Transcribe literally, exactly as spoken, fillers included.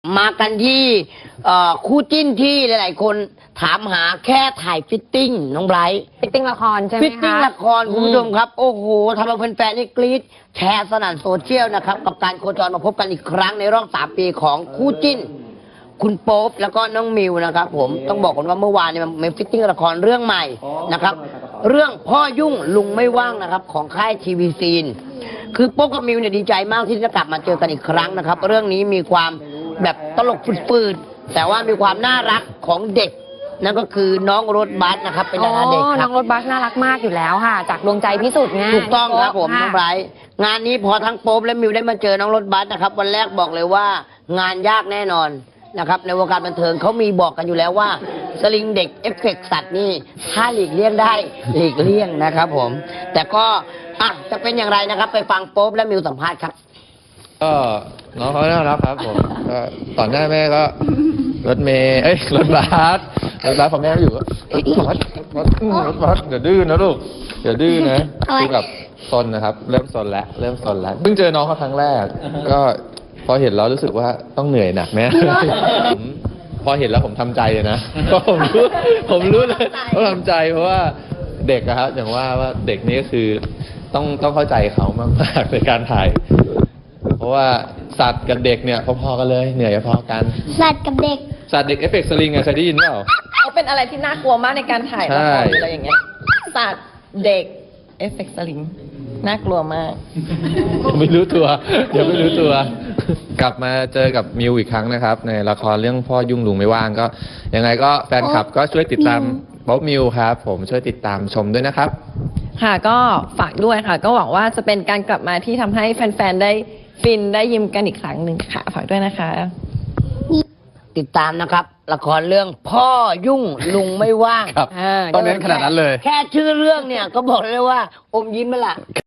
มากันที่คู่จิ้นที่หลายๆคนถามหาแค่ถ่ายฟิตติ้งน้องไบรท์ฟิตติ้งละครใช่ไหมคะฟิตติ้งละครคุณผู้ชมครับโอ้โหทำเอาแฟนๆนี่กรี๊ดแชร์สนั่นโซเชียลนะครับกับการโคจรมาพบกันอีกครั้งในรอบสามปีของคู่จิ้นคุณโป๊ปแล้วก็น้องมิวนะครับผมต้องบอกกันว่าเมื่อวานเนี่ยมันฟิตติ้งละครเรื่องใหม่นะครับเรื่องพ่อยุ่งลุงไม่ว่างนะครับของค่ายทีวีซีนคือโป๊ปกับมิวเนี่ยดีใจมากที่จะกลับมาเจอกันอีกครั้งนะครับเรื่องนี้มีความแบบตลกฝืดๆแต่ว่ามีความน่ารักของเด็กนั่นก็คือน้องรถบัสนะครับเป็นดาราเด็กครับน้องรถบัสน่ารักมากอยู่แล้วค่ะจากดวงใจพิสุทธิ์ไงถูกต้องครับผมน้องไบรท์งานนี้พอทั้งโป๊ปและมิวได้มาเจอน้องรถบัสนะครับวันแรกบอกเลยว่างานยากแน่นอนนะครับในวงการบันเทิงเขามีบอกกันอยู่แล้วว่าสลิงเด็กเอฟเฟกต์สัตว์นี่ถ้าหลีกเลี่ยงได้หลีกเลี่ยงนะครับผมแต่ก็อ่ะจะเป็นอย่างไรนะครับไปฟังโป๊ปและมิวสัมภาษณ์ครับก็น้องเขาน่ารักครับผมก็ต่อหน้าแม่ก็รถเมย์เอ้ยรถบัสรถบัสพอแม่ไม่อยู่ก็รถบัสรถรถบัสเดี๋ยวดื้อนะลูกเดี๋ยวดื้อนะคือแบบซนนะครับเริ่มซนแล้วเริ่มซนแล้วเพิ่งเจอน้องเขาครั้งแรกก็พอเห็นแล้วรู้สึกว่าต้องเหนื่อยหนักแน่ผมพอเห็นแล้วผมทำใจเลยนะเพราะผมรู้ผมรู้เลยว่าทำใจเพราะว่าเด็กอะครับอย่างว่าว่าเด็กนี้ก็คือต้องต้องเข้าใจเขามากๆในการถ่ายเพราะว่าสัตว์กับเด็กเนี่ยพอๆกันเลยเหนื่อยพอกันสัตว์กับเด็กสัตว์เด็กเอฟเฟกต์สลิงอะเคยได้ยินเปล่าเขาเป็นอะไรที่น่ากลัวมากในการถ่ายละครอะไรอย่างเงี้ยสัตว์เด็กเอฟเฟกต์สลิงน่ากลัวมากไม่รู้ตัวเดี๋ยวไม่รู้ตัวกลับมาเจอกับมิวอีกครั้งนะครับในละครเรื่องพ่อยุ่งลุงไม่ว่างก็ยังไงก็แฟนคลับก็ช่วยติดตามโป๊ปมิวครับผมช่วยติดตามชมด้วยนะครับค่ะก็ฝากด้วยค่ะก็หวังว่าจะเป็นการกลับมาที่ทำให้แฟนๆได้ฟินได้ยิ้มกันอีกครั้งหนึ่งค่ะฝากด้วยนะคะติดตามนะครับละครเรื่องพ่อยุ่งลุงไม่ว่างครับตอนนี้ขนาดนั้นเลยแค่ชื่อเรื่องเนี่ยก็บอกเลยว่าอมยิ้มไปละ